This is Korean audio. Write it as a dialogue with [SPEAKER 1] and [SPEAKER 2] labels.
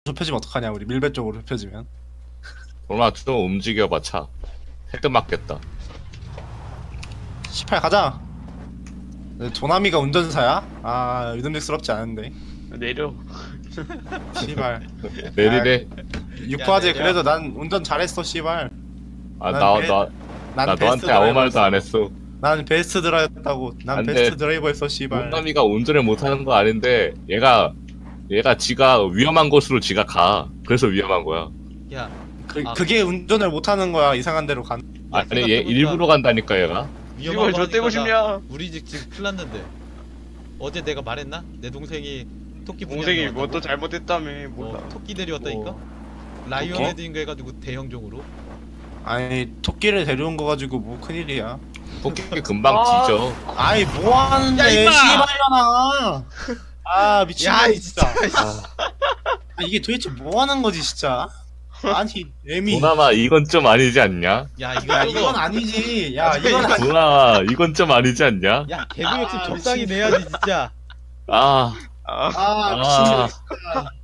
[SPEAKER 1] 좁혀지면 어떡하냐 우리 밀배 쪽으로 좁혀지면.
[SPEAKER 2] 도나 좀 움직여봐 차. 헤드 맞겠다.
[SPEAKER 1] 18 가자. 조남이가 운전사야? 아 믿음직스럽지 않은데.
[SPEAKER 3] 내려.
[SPEAKER 1] 씨발.
[SPEAKER 2] 내리래.
[SPEAKER 1] 육화제
[SPEAKER 4] 내려.
[SPEAKER 1] 그래도 난 운전 잘했어 씨발.
[SPEAKER 2] 아
[SPEAKER 1] 난
[SPEAKER 2] 나 너한테 아무 말도 안 했어.
[SPEAKER 1] 난 베스트 드라이버였다고. 난
[SPEAKER 2] 안
[SPEAKER 1] 베스트
[SPEAKER 2] 돼.
[SPEAKER 1] 드라이버였어 씨발.
[SPEAKER 2] 용남이가 운전을 못하는 거 아닌데 얘가 지가 위험한 곳으로 지가 가. 그래서 위험한 거야.
[SPEAKER 4] 야,
[SPEAKER 1] 그게 운전을 못하는 거야. 이상한 데로 간.
[SPEAKER 2] 아니 얘 일부러 간다니까 얘가.
[SPEAKER 3] 이걸 저 떼고 싶냐?
[SPEAKER 4] 우리 집 지금 큰일 났는데. 어제 내가 말했나? 내 동생이 토끼
[SPEAKER 3] 동생이
[SPEAKER 4] 분양이
[SPEAKER 3] 뭐 또
[SPEAKER 4] 왔다고?
[SPEAKER 3] 잘못했다며. 몰라.
[SPEAKER 4] 토끼 데려왔다니까? 라이언
[SPEAKER 1] 토끼?
[SPEAKER 4] 헤드인가 해가지고 대형종으로.
[SPEAKER 1] 아니 토끼를 데려온 거 가지고 뭐 큰일이야.
[SPEAKER 2] 토끼 금방
[SPEAKER 3] 아.
[SPEAKER 2] 뒤져.
[SPEAKER 1] 아이 뭐 하는데
[SPEAKER 4] 야, 임마!
[SPEAKER 1] 씨발려나. 아 미친놈
[SPEAKER 4] 야,
[SPEAKER 1] 진짜.
[SPEAKER 2] 아,
[SPEAKER 1] 아, 이게 도대체 뭐 하는 거지 진짜. 아니 애미.
[SPEAKER 2] 도남아 이건 좀 아니지 않냐?
[SPEAKER 4] 야, 이거
[SPEAKER 1] 야
[SPEAKER 4] 저거.
[SPEAKER 1] 이건 아니지. 야 이건 아니.
[SPEAKER 2] 도남아 이건 좀 아니지 않냐?
[SPEAKER 4] 야, 개그 욕심
[SPEAKER 1] 아,
[SPEAKER 4] 적당히
[SPEAKER 1] 미친.
[SPEAKER 4] 내야지 진짜.
[SPEAKER 2] 아
[SPEAKER 3] 아,
[SPEAKER 1] 아
[SPEAKER 2] 아.
[SPEAKER 1] 미친놈 진짜.